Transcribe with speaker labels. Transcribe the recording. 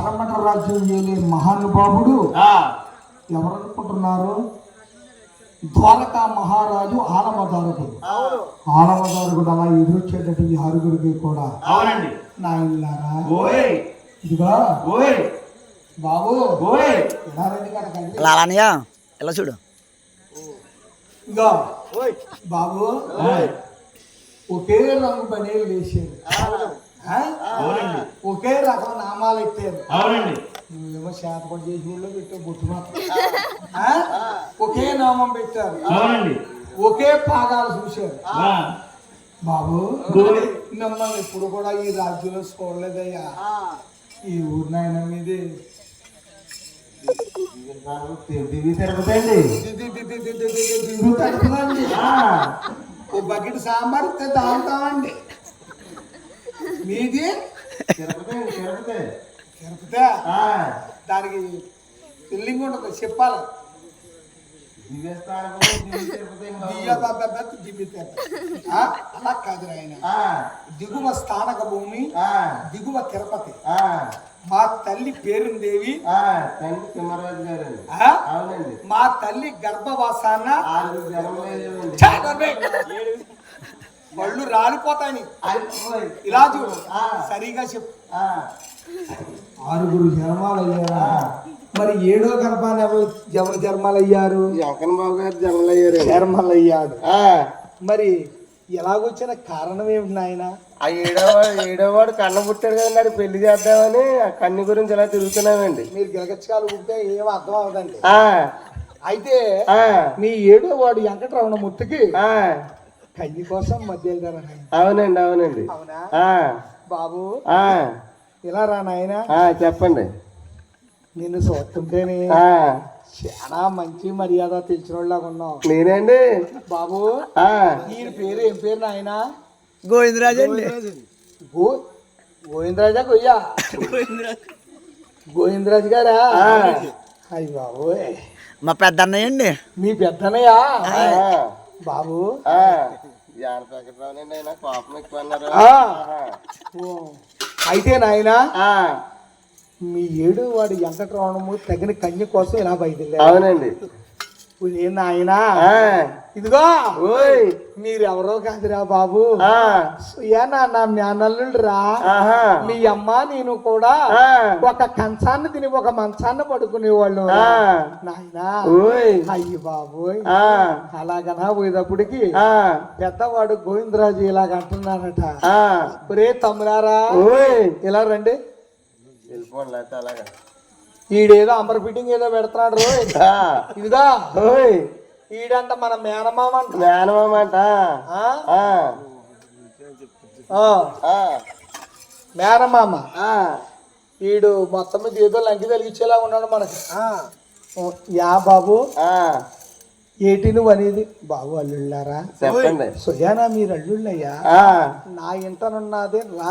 Speaker 1: పడమట రాజ్యం ఏలే మహానుభావుడు ఎవరనుకుంటున్నారు? ద్వారకా మహారాజు ఆలమదారకుడు. ఆలమదారకుడు అలా ఎదురొచ్చేటట్టు ఈ ఆరుగురికి కూడా నాయనలారా ఇదిగా బాబు
Speaker 2: ఎలా చూడు
Speaker 1: ఇదిగా బాబు ఒకే రంగు బనీలు వేసారు, ఒకే రకం నామాలు ఎత్తారు. నువ్వేమో శాతపడి చేసి ఊళ్ళో పెట్టావు బొట్టు మాత్రం. ఒకే నామం పెట్టారు, ఒకే పాదాలు చూశారు. బాబు మిమ్మల్ని ఇప్పుడు కూడా ఈ రాజ్యంలో చూడలేదయ్యా. ఈ ఊరు నాయన మీదే తిరుగుతుందండి. ఓ బకెట్ సాంబార్ ఇస్తే తాగుతామండి. మీది తిరుపతి. దానికి బిల్డింగ్ ఉంటుంది చెప్పాలి. అలా కాదు ఆయన. దిగువ స్థానక భూమి, దిగువ తిరుపతి. మా తల్లి పేరుందేవి, మా తల్లి గర్భవాసాన పళ్ళు రాలిపోతాయని ఇలా చూడు. సరిగా చెప్పు. 6 జన్మాలు అయ్యారా? మరి 7వ గర్భాన్ని ఎవరు జన్మాలు అయ్యారు?
Speaker 3: జగన్ బాబు గారు జన్మలు
Speaker 1: అయ్యాడు. మరి ఎలాగొచ్చిన కారణం ఏమిటి నాయన?
Speaker 3: ఆ ఏడోవాడు కన్న పుట్టాడు కదండి, పెళ్లి చేద్దామని ఆ కన్ను గురించి ఇలా తిరుగుతున్నామండి.
Speaker 1: మీరు గిలగచ్చకాలు ఉంటే ఏం అర్థం అవదండి. అయితే మీ 7వ వాడు వెంకటరమణ ముత్తుకి కన్ను కోసం మధ్య వెళ్తారా?
Speaker 3: అవునండి.
Speaker 1: అవునా బాబు? ఇలా రా నాయన.
Speaker 3: చెప్పండి.
Speaker 1: నిన్ను చూస్తుంటేనే చాలా మంచి మర్యాద తెలిసిన వాళ్ళగా ఉన్నావు.
Speaker 3: నేనండి
Speaker 1: బాబు. ఈయన పేరు ఏం పేరు నాయన?
Speaker 2: గోవిందరాజు అండి.
Speaker 1: గోవిందరాజా కొయ్యా? గోవిందరాజు గారా? అయ్యి బాబు
Speaker 2: మా పెద్ద అన్నయ్య అండి.
Speaker 1: మీ పెద్దన్నయ్యా బాబు?
Speaker 3: కోపం ఎక్కువ అన్నారు.
Speaker 1: అయితే నాయన మీ 7వ వాడు వెంకటరమణము తగిన కన్య కోసం ఇలా బయలుదేరారు.
Speaker 3: అవునండి.
Speaker 1: నాయనా ఇదిగో మీరెవరో కాదురా బాబు, నా మేనల్లుడు రా. మీ అమ్మ నేను కూడా ఒక కంచాన్ని తిని ఒక మంచాన్ని పడుకునేవాళ్ళు నాయనా. అయ్యి బాబు అలాగనా పోయేటప్పటికి పెద్దవాడు గోవిందరాజు ఇలాగ అంటున్నారట. ఒరే తమ్ములారా ఇలా రండి.
Speaker 3: అలాగా
Speaker 1: ఈడేదో అంబర్ ఫిట్టింగ్ ఏదో పెడుతున్నాడు రో. ఇదిగా ఈడంట మన మేనమామ అంట. మేనమామ ఈడు మొత్తం మీద ఏదో లంకి తలిగించేలా ఉన్నాడు మనకి. యా బాబు ఏటి నువ్వు అనేది? బాబు అల్లుళ్ళారా?
Speaker 3: చెప్పండి.
Speaker 1: సుజానా మీరు అల్లుళ్ళయ్యా? నా ఇంటనున్నది